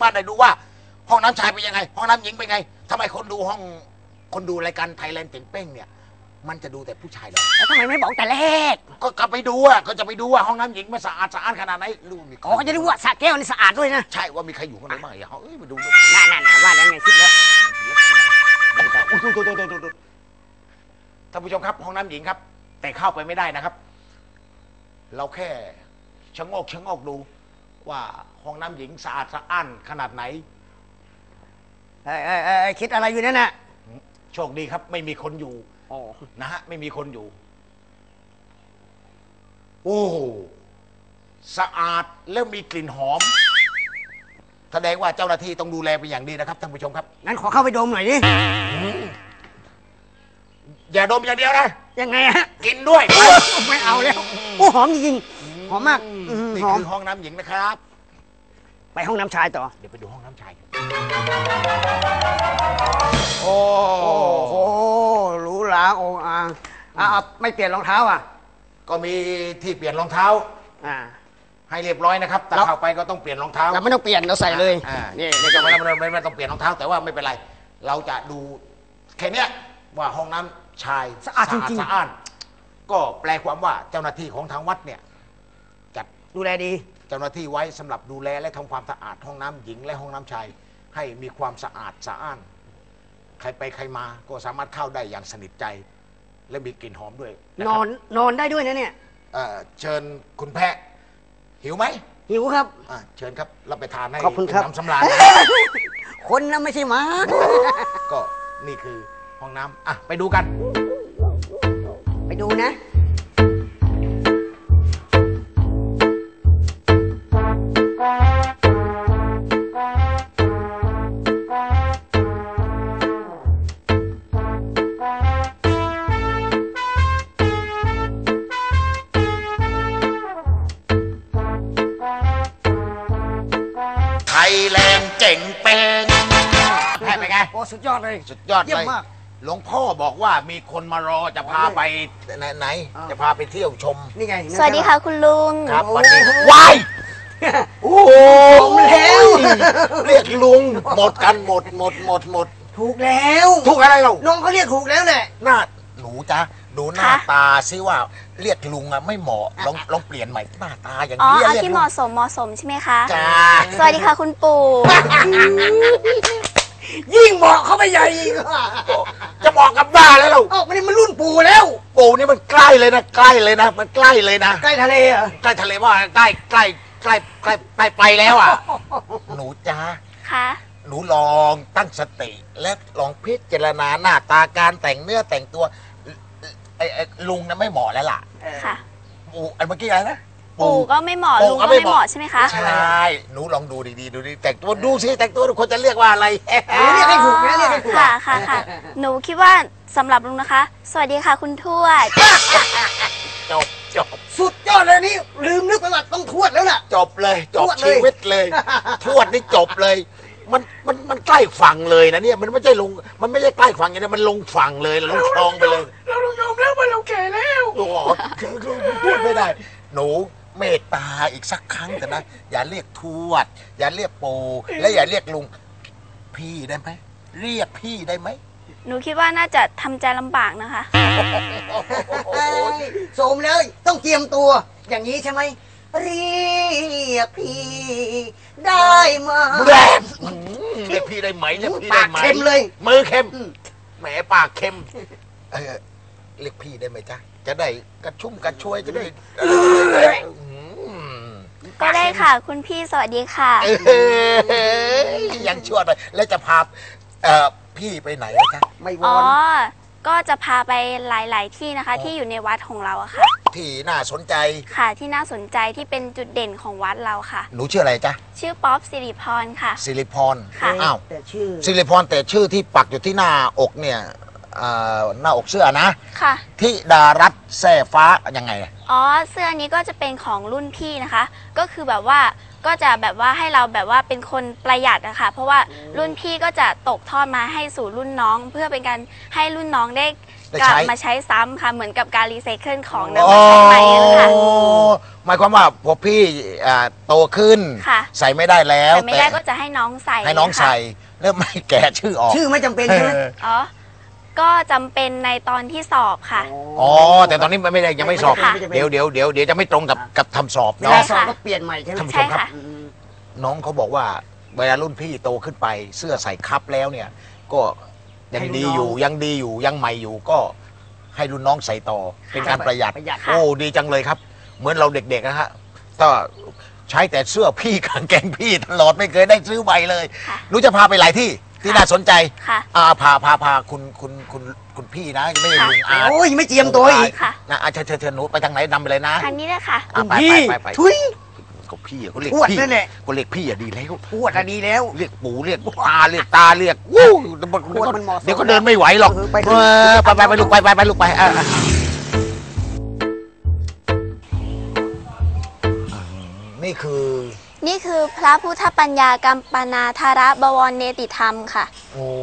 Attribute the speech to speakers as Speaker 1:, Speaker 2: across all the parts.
Speaker 1: ป้าได้ดูว่าห้องน้ำชายเป็นยังไงห้องน้ำหญิงเป็นไงทำไมคนดูรายการไทยแลนด์เต็มเป้งเนี่ยมันจะดูแต่ผู้ชายเหรอ
Speaker 2: แล้วทำไมไม่บอกแต่แรก
Speaker 1: ก็กลับไปดูอ่ะก็จะไปดูว่าห้องน้ำหญิงมันสะอาดขนาดไหนดูมี
Speaker 2: อ๋อก็จะดูว่าสระแก้วนี่สะอาดด้วยนะ
Speaker 1: ใช่ว่ามีใครอยู่ข้างในบ้างอย่าเอ้ยมาดู
Speaker 2: น่าว่าแล้วไงคิดแล้ว
Speaker 1: ท่านผู้ชมครับห้องน้ำหญิงครับแต่เข้าไปไม่ได้นะครับเราแค่ชะโงกดูว่าห้องน้ำหญิงสะอาดสะอ้านขนาดไหน
Speaker 2: คิดอะไรอยู่นั่นน่ะ
Speaker 1: โชคดีครับไม่มีคนอยู่นะฮะไม่มีคนอยู่โอ้สะอาดแล้วมีกลิ่นหอมแสดงว่าเจ้าหน้าที่ต้องดูแลเป็นอย่างดีนะครับท่านผู้ชมครับ
Speaker 2: งั้นขอเข้าไปดมหน่อยดิ
Speaker 1: อย่าดมอย่างเดียวนะ
Speaker 2: ยังไงฮะ
Speaker 1: กินด้วย
Speaker 2: ไม่เอาแล้วโอ้หอมจริงหอมมาก
Speaker 1: นี่คือห้องน้ำหญิงนะครับ
Speaker 2: ไปห้องน้ำชายต่อ
Speaker 1: เดี๋ยวไปดูห้องน้ำชาย
Speaker 2: โอ้โหหรูหราโอ่งอ่างไม่เปลี่ยนรองเท้าอ่ะ
Speaker 1: ก็มีที่เปลี่ยนรองเท้าให้เรียบร้อยนะครับแต่เข้าไปก็ต้องเปลี่ยนรองเท้า
Speaker 2: แต่ไม่ต้องเปลี่ยนเราใส่เลย
Speaker 1: นี่ไม่ต้องเปลี่ยนรองเท้าแต่ว่าไม่เป็นไรเราจะดูแค่นี้ว่าห้องน้ำชาย
Speaker 2: สะอาดจริง
Speaker 1: ๆสะอาดก็แปลความว่าเจ้าหน้าที่ของทางวัดเนี่ยจัด
Speaker 2: ดูแลดี
Speaker 1: เจ้าหน้าที่ไว้สำหรับดูแลและทำความสะอาดห้องน้ำหญิงและห้องน้ำชายให้มีความสะอาดสะอ้านใครไปใครมาก็สามารถเข้าได้อย่างสนิทใจและมีกลิ่นหอมด้วย
Speaker 2: นอนได้ด้วยนะเนี่ย
Speaker 1: เชิญคุณแพะหิวไหม
Speaker 2: หิวครับ
Speaker 1: เชิญครับรับไปทานให้
Speaker 2: ขอบคุณครับ
Speaker 1: น้ำสำราญ
Speaker 2: คนนะไม่ใช่หมา
Speaker 1: ก็นี่คือห้องน้ำไปดูกัน
Speaker 2: ไปดูนะ
Speaker 1: ไทยแลนด์เจ๋งเป็นแพ้ไปไง
Speaker 2: โอ้สุดยอดเลย
Speaker 1: สุดยอดเลยหลวงพ่อบอกว่ามีคนมารอจะพาไปไหนจะพาไปเที่ยวชม
Speaker 2: นี่ไง
Speaker 3: สวัสดีค่ะคุณลุง
Speaker 1: ครับวันนี้วายโอ้แล้วเรียกลุงหมดกันหมด
Speaker 2: ถูกแล้ว
Speaker 1: ถูกอะไรเรา
Speaker 2: น้องเขาเรียกถูกแล้วแหละ
Speaker 1: หน้าหนูจ๊ะดูหน้าตาซิว่าเรียกลุงอะไม่เหมาะลองเปลี่ยนใหม่หน้าตาอย่างนี้
Speaker 3: เอาที่เหมาะสมใช่ไหมคะ
Speaker 1: จ้า
Speaker 3: สวัสดีค่ะคุณปู่
Speaker 2: ยิ่งเหมาะเขาไปใหญ่
Speaker 1: จะบอกกับหน้าแล้วเรา
Speaker 2: มันรุ่นปู่แล้ว
Speaker 1: ปู่นี่มันใกล้เลยนะมันใกล้เลยนะ
Speaker 2: ใกล้ทะเลอ่ะ
Speaker 1: ใกล้ทะเลว่าใกล้ไปแล้วอ่ะหนูจ้า
Speaker 3: ค่ะ
Speaker 1: หนูลองตั้งสติและลองพิจารณาหน้าตาการแต่งเนื้อแต่งตัวลุงนั้นไม่เหมาะแล้วล่ะ
Speaker 3: ค่ะ
Speaker 1: ปู่เมื่อกี้อะไรนะ
Speaker 3: ปู่ก็ไม่เหมาะลุงก็ไม่เหมาะใช่ไหมคะ
Speaker 1: ใช่หนูลองดูดีๆดูดิแต่งตัวดูสิแต่งตัวคนจะเรียกว่าอะไร
Speaker 2: เรียกให้ถูกนะเรียกให้ถูก
Speaker 3: ค่ะหนูคิดว่าสำหรับลุงนะคะสวัสดีค่ะคุณทวด
Speaker 1: จบ
Speaker 2: สุดยอดเลยนี่ลืมนึกไปว่าต้องทวดแล้วล่ะ
Speaker 1: จบเลยจบชีวิตเลยทวดนี่จบเลยมันใกล้ฝั่งเลยนะเนี่ยมันไม่ใช่ลงมันไม่ใช่ใกล้ฝั่งอย่างนี้มันลงฝั่งเลยลงคลองไปเลย
Speaker 2: เรายอมแล้วว่าเราแก่แล้ว
Speaker 1: โอ้พูดไม่ได้หนูเมตตาอีกสักครั้งแต่นะอย่าเรียกทวดอย่าเรียกปู่และอย่าเรียกลุงพี่ได้ไหมเรียกพี่ได้ไหม
Speaker 3: หนูคิดว่าน่าจะทำใจลำบากนะคะ
Speaker 2: โสมเลยต้องเตรียมตัวอย่างนี้ใช่ไหมเรียกพี่ได้ไหม
Speaker 1: เรียกพี่ได้ไหมเรียกพี่ได้ไหม
Speaker 2: ปากเค็มเลย
Speaker 1: มือเค็มแหมปากเค็มเรียกพี่ได้ไหมจ๊ะจะได้กระชุ่มกระชวยจะได้
Speaker 3: ก็ได้ค่ะคุณพี่สวัสดีค่ะ
Speaker 1: ยังชั่วเลยแล้วจะพาพี่ไปไหนจ๊ะ
Speaker 2: ไม่วอน
Speaker 3: ก็จะพาไปหลายๆที่นะคะที่อยู่ในวัดของเราอะค่ะ
Speaker 1: ที่น่าสนใจ
Speaker 3: ค่ะที่น่าสนใจที่เป็นจุดเด่นของวัดเราค่ะ
Speaker 1: หนูชื่ออะไรจ๊ะ
Speaker 3: ชื่อป๊อปสิริพรค่ะ
Speaker 1: สิริพร
Speaker 3: ค่ะ
Speaker 1: อ้าว
Speaker 2: แต่ชื่อ
Speaker 1: สิริพรแต่ชื่อที่ปักอยู่ที่หน้าอกเนี่ยหน้าอกเสื้อนะ
Speaker 3: ค่ะ
Speaker 1: ที่ดารัตแซ่ฟ้ายังไง
Speaker 3: เสื้อนี้ก็จะเป็นของรุ่นพี่นะคะก็คือแบบว่าก็จะแบบว่าให้เราแบบว่าเป็นคนประหยัดอะค่ะเพราะว่ารุ่นพี่ก็จะตกทอดมาให้สู่รุ่นน้อง เพื่อเป็นการให้รุ่นน้องได้กลับมาใช้ซ้ำค่ะเหมือนกับการรีไซเคิลของนำมาใช้ใหม่นะคะ
Speaker 1: หมายความว่าพอพี่โตขึ้นใส่ไม่ได้แล้ว
Speaker 3: แต่ไม่ได้ก็จะให้น้องใส่
Speaker 1: ให้น้องใส่แล้วไม่แกะชื่อออก
Speaker 2: ชื่อไม่จำเป็นใช่ไหม
Speaker 3: อ๋อก็จำเป็นในตอนที่สอบค่ะ
Speaker 1: อ๋อแต่ตอนนี้ไม่ได้ยังไม่สอบเดี๋ยวจะไม่ตรงกับทำสอบ
Speaker 2: เวลาสอบก็เปลี่ยนใหม่ใช่ไหม
Speaker 3: ใช่ค่ะ
Speaker 1: น้องเขาบอกว่าเวลารุ่นพี่โตขึ้นไปเสื้อใส่คับแล้วเนี่ยก็ยังดีอยู่ยังใหม่อยู่ก็ให้รุ่นน้องใส่ต่อเป็นการประหยัดโอ้ดีจังเลยครับเหมือนเราเด็กๆนะฮะก็ใช้แต่เสื้อพี่กางเกงพี่ตลอดไม่เคยได้ซื้อใบเลยรู้จะพาไปหลายที่น่าสนใจพาคุณพี่นะไม่ได้ลุงอา
Speaker 2: โอ้ยไม่เจียมตัวอีก
Speaker 1: นะเชิญหนูไปทางไหนนำไปเลยนะ
Speaker 3: ทางนี้เลยค่ะ
Speaker 1: ไป
Speaker 2: ทุย
Speaker 1: ก็พี่เขาเรียก
Speaker 2: พี่นั่นแหละ
Speaker 1: ก็เรียกพี่ดีแล้ว
Speaker 2: ปวดดีแล้ว
Speaker 1: เรียกปู่เรียกตาเรียกวู้เดี๋ยวก็เดินไม่ไหวหรอกไปลูกไป
Speaker 3: นี่คือพระพุทธปัญญากัมปนาธาระบวรเนติธรรมค่ะ
Speaker 1: โอ้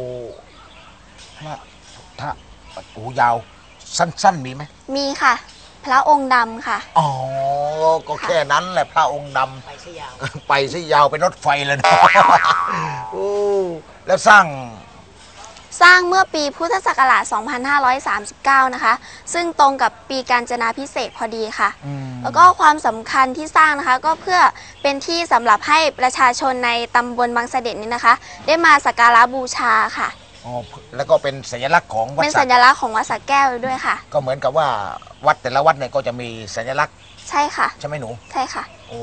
Speaker 1: พระโอ้ยาวสั้นมีไหม
Speaker 3: มีค่ะพระองค์ดำค่ะ
Speaker 1: อ๋อก็แค่นั้นแหละพระองค์ดำไปซะยาวเป็นรถไฟเลยนะโอ้แล้วสร้าง
Speaker 3: เมื่อปีพุทธศักราช 2539 นะคะซึ่งตรงกับปีกาญจนาภิเษกพอดีค่ะแล้วก็ความสำคัญที่สร้างนะคะก็เพื่อเป็นที่สำหรับให้ประชาชนในตำบลบางเสด็จนี้นะคะได้มาสักการะบูชาค่ะ
Speaker 1: อ๋อแล้วก็เป็นสัญลักษณ์ของวัด
Speaker 3: เป็นสัญลักษณ์ของวัดสระแก้วด้วยค่ะ
Speaker 1: ก็เหมือนกับว่าวัดแต่ละวัดเนี่ยก็จะมีสัญลักษณ์
Speaker 3: ใช่ค่ะ
Speaker 1: ใช่ไหมหนู
Speaker 3: ใช่ค่ะ
Speaker 1: โอ้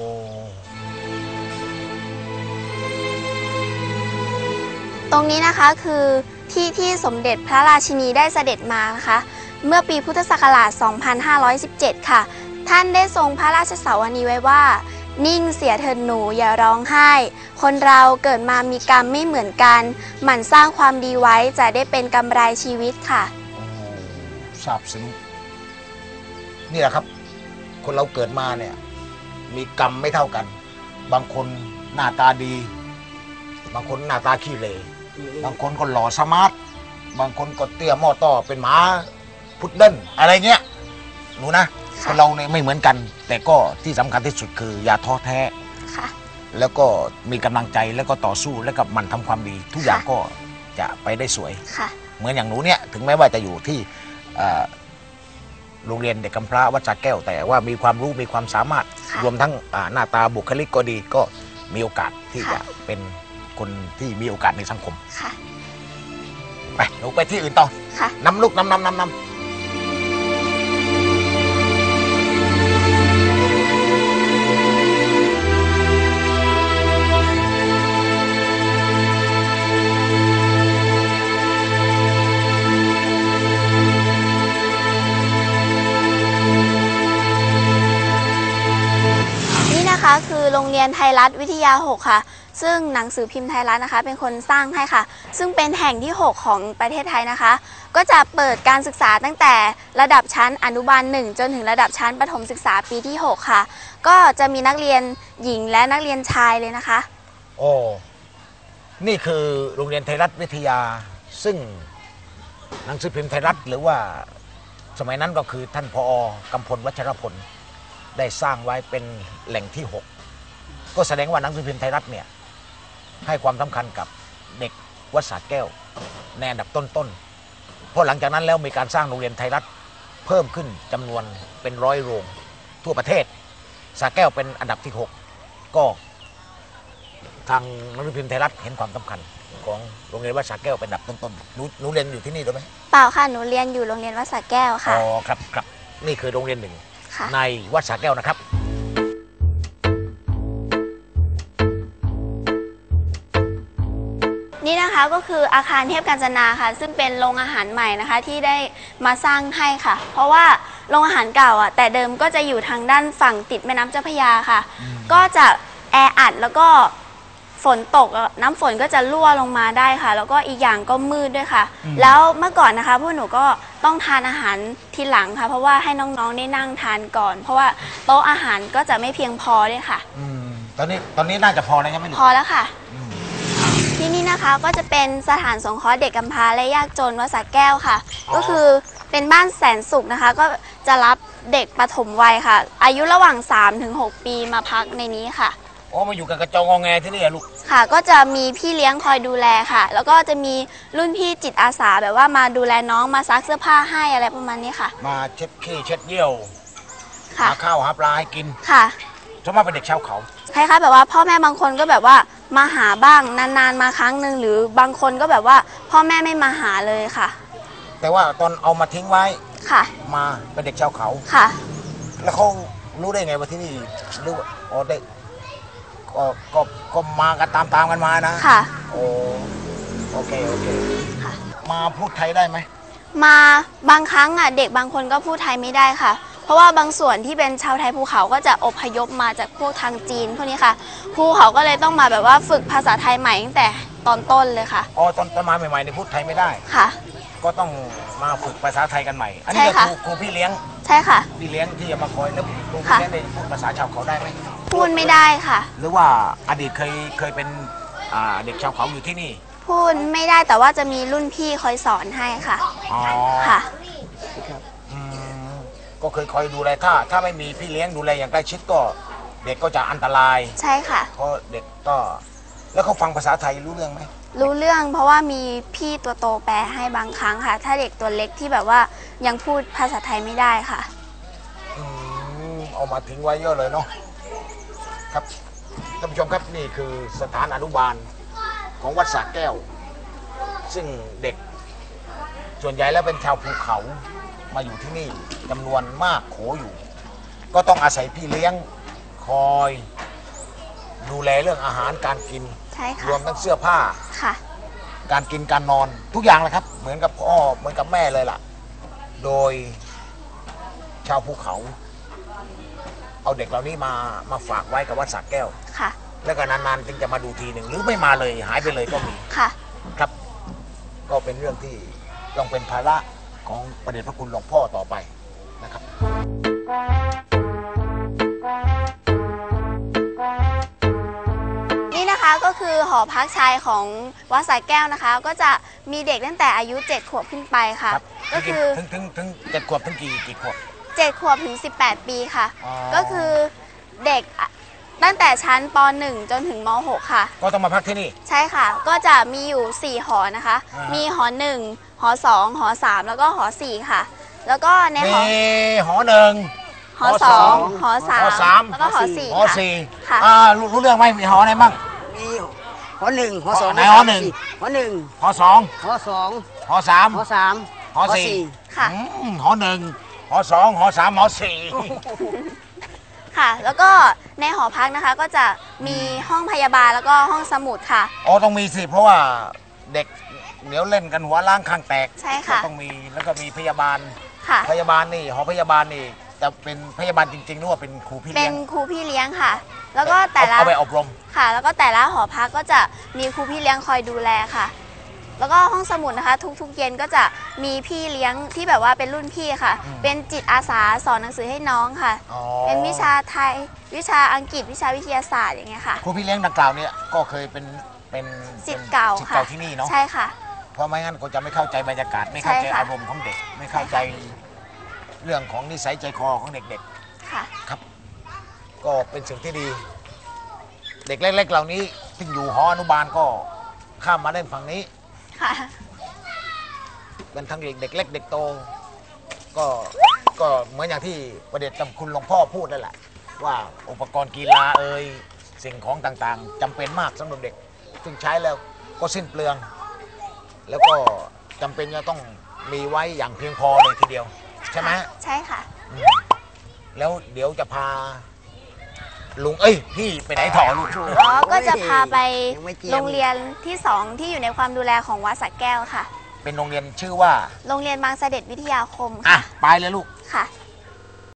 Speaker 3: ตรงนี้นะคะคือที่สมเด็จพระราชินีได้เสด็จมานะคะเมื่อปีพุทธศักราช 2517 ค่ะท่านได้ทรงพระราชสาวนีไว้ว่านิ่งเสียเถิดหนูอย่าร้องไห้คนเราเกิดมามีกรรมไม่เหมือนกันหมั่นสร้างความดีไว้จะได้เป็นกำไรชีวิตค่ะ
Speaker 1: ซาบซึ้งนี่แหละครับคนเราเกิดมาเนี่ยมีกรรมไม่เท่ากันบางคนหน้าตาดีบางคนหน้าตาขี้เหร่บางคนก็หล่อสมาร์ทบางคนก็เตี้ยหม้อต้อเป็นหมาพุดเดิ้ลอะไรเงี้ยหนูนะคนเราเนี่ยไม่เหมือนกันแต่ก็ที่สำคัญที่สุดคืออย่าท้อแท้แล้วก็มีกำลังใจแล้วก็ต่อสู้แล้วก็มันทำความดีทุกอย่างก็จะไปได้สวยเหมือนอย่างหนูเนี่ยถึงแม้ว่าจะอยู่ที่โรงเรียนเด็กกำพร้าวัดสระแก้วแต่ว่ามีความรู้มีความสามารถรวมทั้งหน้าตาบุคลิกก็ดีก็มีโอกาสที่จะเป็นคนที่มีโอกาสในสังคมไปหนูไปที่อื่นต่อนำลูกนำ
Speaker 3: คือโรงเรียนไทยรัฐวิทยา 6 ค่ะซึ่งหนังสือพิมพ์ไทยรัฐนะคะเป็นคนสร้างให้ค่ะซึ่งเป็นแห่งที่ 6 ของประเทศไทยนะคะก็จะเปิดการศึกษาตั้งแต่ระดับชั้นอนุบาล 1จนถึงระดับชั้นประถมศึกษาปีที่ 6 ค่ะก็จะมีนักเรียนหญิงและนักเรียนชายเลยนะคะ
Speaker 1: โอ้นี่คือโรงเรียนไทยรัฐวิทยาซึ่งหนังสือพิมพ์ไทยรัฐหรือว่าสมัยนั้นก็คือท่านผอ.กำพลวัชรพลได้สร้างไว้เป็นแหล่งที่ 6ก็แสดงว่าหนังสือพิมพ์ไทยรัฐเนี่ยให้ความสำคัญกับเด็กวัดสระแก้วในอันดับต้นๆเพราะหลังจากนั้นแล้วมีการสร้างโรงเรียนไทยรัฐเพิ่มขึ้นจำนวนเป็น100 โรงทั่วประเทศสระแก้วเป็นอันดับที่ 6ก็ทางหนังสือพิมพ์ไทยรัฐเห็นความสำคัญของโรงเรียนวัดสระแก้วเป็นอันดับต้นๆหนูเรียนอยู่ที่นี่หรือไม่
Speaker 3: เปล่าค่ะหนูเรียนอยู่โรงเรียนวัดสระแก้วค่ะ
Speaker 1: อ๋อครับนี่คือโรงเรียนหนึ่งในวัดสระแก้วนะครับ
Speaker 3: นี่นะคะก็คืออาคารเทพกาญจนาค่ะซึ่งเป็นโรงอาหารใหม่นะคะที่ได้มาสร้างให้ค่ะเพราะว่าโรงอาหารเก่าอ่ะแต่เดิมก็จะอยู่ทางด้านฝั่งติดแม่น้ำเจ้าพระยาค่ะก็จะแออัดแล้วก็ฝนตกน้ำฝนก็จะรั่วลงมาได้ค่ะแล้วก็อีกอย่างก็มืดด้วยค่ะแล้วเมื่อก่อนนะคะพวกหนูก็ต้องทานอาหารทีหลังค่ะเพราะว่าให้น้องๆได้นั่งทานก่อนเพราะว่าโต๊ะอาหารก็จะไม่เพียงพอด้วยค่ะ
Speaker 1: ตอนนี้น่าจะพอแล้วใช่ไหมลูก
Speaker 3: พอแล้วค่ะ
Speaker 1: อืม
Speaker 3: ที่นี่นะคะก็จะเป็นสถานสงเคราะห์เด็กกำพร้าและยากจนวัดสระแก้วค่ะ ก็คือเป็นบ้านแสนสุขนะคะ ก็จะรับเด็กปฐมวัยค่ะ อายุระหว่าง 3-6 ปีมาพักในนี้ค่ะ
Speaker 1: อ๋อมาอยู่กันกระจองงอแงที่นี่อะลูก
Speaker 3: ค่ะ ก็จะมีพี่เลี้ยงคอยดูแลค่ะ แล้วก็จะมีรุ่นพี่จิตอาสาแบบว่ามาดูแลน้องมาซักเสื้อผ้าให้อะไรประมาณนี้ค่ะ
Speaker 1: มาเช็ดขี้เช็ดเยี่ยว
Speaker 3: ค่ะ
Speaker 1: หาข้าวหาปลาให้กิน
Speaker 3: ค่ะ
Speaker 1: ส่วนมากเป็นเด็กชาวเขา
Speaker 3: คล้ายๆแบบว่าพ่อแม่บางคนก็แบบว่ามาหาบ้างนานๆมาครั้งหนึ่งหรือบางคนก็แบบว่าพ่อแม่ไม่มาหาเลยค่ะ
Speaker 1: แต่ว่าตอนเอามาทิ้งไว้
Speaker 3: ค่ะ
Speaker 1: มาเป็นเด็กชาวเขา
Speaker 3: ค่ะ
Speaker 1: แล้วเขารู้ได้ไงว่าที่นี่รู้ว่าอ๋อได้ก็มากันตามกันมานะ
Speaker 3: ค่ะ
Speaker 1: โอ้โอเค
Speaker 3: ค่ะ
Speaker 1: มาพูดไทยได้ไหม
Speaker 3: มาบางครั้งอ่ะเด็กบางคนก็พูดไทยไม่ได้ค่ะ เพราะว่าบางส่วนที่เป็นชาวไทยภูเขาก็จะอพยพมาจากพวกทางจีนพวกนี้ค่ะครูเขาก็เลยต้องมาแบบว่าฝึกภาษาไทยใหม่ตั้งแต่ตอนต้นเลยค่ะ
Speaker 1: อ๋อตอนมาใหม่ๆในพูดไทยไม่ได้
Speaker 3: ค่ะ
Speaker 1: ก็ต้องมาฝึกภาษาไทยกันใหม่ อัน
Speaker 3: ใช่
Speaker 1: นี้ก็
Speaker 3: ค่ะ
Speaker 1: ครูพี่เลี้ยง
Speaker 3: ใช่ค่ะ
Speaker 1: พี่เลี้ยงที่จะมาคอยแล้วครูพี่
Speaker 3: ค่ะ
Speaker 1: เลี้ยงได้พูดภาษาชาวเขาได้ไหม
Speaker 3: พูดไม่ได้ค่ะ
Speaker 1: หรือว่าอดีตเคยเป็นเด็กชาวเขาอยู่ที่นี่
Speaker 3: พูดไม่ได้แต่ว่าจะมีรุ่นพี่คอยสอนให้ค่ะ
Speaker 1: อ๋อ
Speaker 3: ค่ะ
Speaker 1: อืมก็เคยคอยดูแลถ้าไม่มีพี่เลี้ยงดูแลอย่างใกล้ชิดก็เด็กก็จะอันตราย
Speaker 3: ใช่ค่ะ
Speaker 1: เพราะเด็กก็แล้วเขาฟังภาษาไทยรู้เรื่องไหม
Speaker 3: รู้เรื่องเพราะว่ามีพี่ตัวโตแปลให้บางครั้งค่ะ ถ้าเด็กตัวเล็กที่แบบว่ายังพูดภาษาไทยไม่ได้ค่ะ
Speaker 1: เอามาทิ้งไว้เยอะเลยเนาะครับท่านผู้ชมครับนี่คือสถานอนุบาลของวัดสระแก้ว ซึ่งเด็กส่วนใหญ่แล้วเป็นชาวภูเขามาอยู่ที่นี่จำนวนมากโขอยู่ ก็ต้องอาศัยพี่เลี้ยงคอยดูแลเรื่องอาหารการกิน
Speaker 3: ใช่ค่ะ
Speaker 1: รวมทั้งเสื้อผ้า
Speaker 3: ค่ะ
Speaker 1: การกินการนอนทุกอย่างเลยครับ เหมือนกับพ่อเหมือนกับแม่เลยล่ะ โดยชาวภูเขา เอาเด็กเหล่านี้มาฝากไว้กับวัดสระแก้ว
Speaker 3: ค่ะ
Speaker 1: แล้วก็นานๆจึงจะมาดูทีหนึ่งหรือไม่มาเลยหายไปเลยก็มี
Speaker 3: ค่ะ
Speaker 1: ครับ ก็เป็นเรื่องที่ต้องเป็นภาระของประเดชพระคุณหลวงพ่อต่อไปนะครับ
Speaker 3: นี่นะคะก็คือหอพักชายของวัดสระแก้วนะคะ ก็จะมีเด็กตั้งแต่อายุ 7 ขวบขึ้นไปค่ะ
Speaker 1: ครับ
Speaker 3: ก็คือ
Speaker 1: ถึง7 ขวบถึงกี่ขวบ
Speaker 3: 7 ขวบถึง 18 ปีค่ะ
Speaker 1: อ๋อ
Speaker 3: ก็คือเด็กตั้งแต่ชั้นป .1 จนถึงม .6 ค่ะ
Speaker 1: ก็ต้องมาพักที่นี่
Speaker 3: ใช่ค่ะ ก็จะมีอยู่ 4 หอนะคะ
Speaker 1: อ่ามี
Speaker 3: มีหอ 1 หอ 2 หอ 3 แล้วก็หอ 4 ค่ะ แล้วก็ในหอ
Speaker 1: มีหอหนึ่ง
Speaker 3: หอ
Speaker 1: หอสอง
Speaker 3: 2 หอ
Speaker 1: หอสาม
Speaker 3: 3 แล้วก็หอ 4
Speaker 1: หอ
Speaker 3: ค่ะ
Speaker 1: สี่
Speaker 3: ค่ะ
Speaker 1: รู้เรื่องไหมมีหอไหนบ้าง
Speaker 2: มีหอหนึ่งหอสอง
Speaker 1: ไหนหอหนึ่ง
Speaker 2: หอหนึ่ง
Speaker 1: หอสอง
Speaker 2: หอสอง
Speaker 1: หอสาม
Speaker 2: หอสาม
Speaker 1: หอสี่
Speaker 3: ค่ะ
Speaker 1: หอหนึ่งหอสองหอสามหอสี่
Speaker 3: ค่ะ แล้วก็ในหอพักนะคะก็จะมีห้องพยาบาลแล้วก็ห้องสมุดค่ะ
Speaker 1: อ๋อต้องมีสิเพราะว่าเด็กเดี๋ยวเล่นกันหัวล้างข้างแตก
Speaker 3: ใช่ค่ะ
Speaker 1: ก็ต้องมีแล้วก็มีพยาบาล
Speaker 3: ค่ะ
Speaker 1: พยาบาลนี่หอพยาบาลนี่จะเป็นพยาบาลจริงๆหรือว่าเป็นครูพี่
Speaker 3: เป็
Speaker 1: เลี้ย
Speaker 3: น
Speaker 1: ง
Speaker 3: ครูพี่เลี้ยงค่ะ แล้วก็แต่ละ
Speaker 1: เอาไปอบรม
Speaker 3: ค่ะ แล้วก็แต่ละหอพักก็จะมีครูพี่เลี้ยงคอยดูแลค่ะ แล้วก็ห้องสมุดนะคะ ทุกๆเย็นก็จะมีพี่เลี้ยงที่แบบว่าเป็นรุ่นพี่ค่ะ เป็นจิตอาสาสอนหนังสือให้น้องค่ะ
Speaker 1: อ๋อ
Speaker 3: เป็นวิชาไทย วิชาอังกฤษ วิชาวิทยาศาสตร์อย่างเงี้ยค่ะ
Speaker 1: ครูพี่เลี้ยงดังกล่าวเนี่ยก็เคยเป็น
Speaker 3: ศิษย์เก่า
Speaker 1: ศิษย์
Speaker 3: ค่ะ
Speaker 1: เก่าที่นี่เนาะ
Speaker 3: ใช่ค่ะ
Speaker 1: เพราะไม่งั้นก็จะไม่เข้าใจบรรยากาศไม่เข้าใจ
Speaker 3: ใช่ค่ะ
Speaker 1: อารมณ์ของเด็ก ไม่เข้าใจเรื่องของนิสัยใจคอของเด็ก
Speaker 3: ค่ะ
Speaker 1: ๆ ก็เป็นสิ่งที่ดี เด็กเล็กๆ เหล่านี้ที่อยู่หออนุบาลก็ข้ามมาเล่นฝั่งนี้
Speaker 3: ค่ะ
Speaker 1: เป็นทั้งเด็กเล็กเด็กโต ก็เหมือนอย่างที่ประเดชจำคุณหลวงพ่อพูดนั่นแหละ ว่าอุปกรณ์กีฬาสิ่งของต่างๆจำเป็นมากสำหรับเด็ก ซึ่งใช้แล้วก็สิ้นเปลือง แล้วก็จำเป็นจะต้องมีไว้อย่างเพียงพอเลยทีเดียว ใช่ไหม
Speaker 3: ใช่ค่ะ
Speaker 1: แล้วเดี๋ยวจะพาลุงพี่ไปไหนต่อลูก
Speaker 3: อ๋อ ก็จะพาไป
Speaker 2: ยังไม่เจียม
Speaker 3: โรงเรียนที่ 2 ที่อยู่ในความดูแลของวัดสระแก้วค่ะ
Speaker 1: เป็นโรงเรียนชื่อว่า
Speaker 3: โรงเรียนบางเสด็จวิทยาคม
Speaker 1: อ่ะ
Speaker 3: ค่ะ
Speaker 1: ไปเลยลูก
Speaker 3: ค่ะ